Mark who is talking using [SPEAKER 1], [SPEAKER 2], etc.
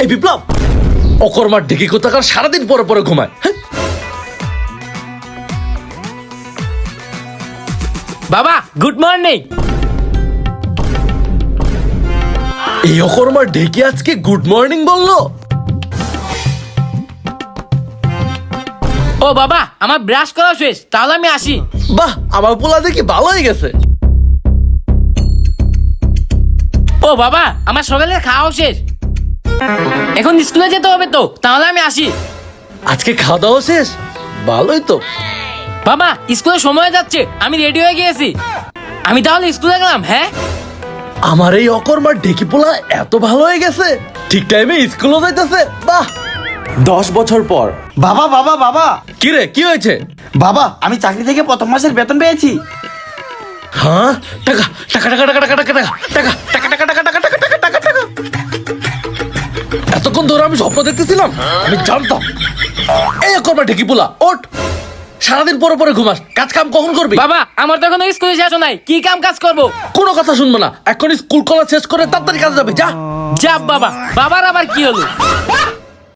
[SPEAKER 1] এই বিপ্লব, অকর্মার ঢেকি কোথাকার সারাদিন পরে পরে ঘুমায়।
[SPEAKER 2] বাবা গুড মর্নিং।
[SPEAKER 1] এই অকর্মার ঢেকি আজকে গুড মর্নিং বললো?
[SPEAKER 2] ও বাবা আমার ব্রাশ করা শেষ, তাহলে আমি আসি।
[SPEAKER 1] বাহ, আমার পোলা দেখি ভালো হয়ে গেছে।
[SPEAKER 2] ও বাবা আমার সকালে খাওয়া শেষ, এখন স্কুলে যেতে হবে তো, তাহলে আমি আসি।
[SPEAKER 1] আজকে খাওয়া দাওয়া শেষ? ভালোই তো।
[SPEAKER 2] বাবা স্কুলে সময় যাচ্ছে, আমি রেডি হয়ে গিয়েছি, আমি তাহলে স্কুলে গেলাম। হ্যাঁ
[SPEAKER 1] আমার এই অকর্মার ঢেকি পোলা এত ভালো হয়ে গেছে, ঠিক টাইমে স্কুলও যাইতেছে। বাহ।
[SPEAKER 3] 10 বছর পর।
[SPEAKER 4] বাবা বাবা বাবা
[SPEAKER 1] কি রে, কি হয়েছে?
[SPEAKER 4] বাবা, আমি চাকরি থেকে প্রথম মাসের বেতন পেয়েছি।
[SPEAKER 1] হ্যাঁ, টাকা টাকা টাকা টাকা টাকা টাকা টাকা টাকা টাকা টাকা টাকা টাকা টাকা টাকা টাকা টাকা। এতক্ষণ ধরে আমি স্বপ্ন দেখতেছিলাম, আমি জানতাম। এই অকর্মার ঢেকি পোলা, ওঠ। সারাদিন পরে পরে ঘুমাস, কাজ কাম কখন করবি?
[SPEAKER 2] বাবা আমার তো এখনো স্কুলে শেষ নাই, কি কাম কাজ করবো?
[SPEAKER 1] কোনো কথা শুনবো না, এখন স্কুল কলেজ শেষ করে তাড়াতাড়ি কাজে যাবে, যা।
[SPEAKER 2] যা বাবা, বাবার আবার কি হলো?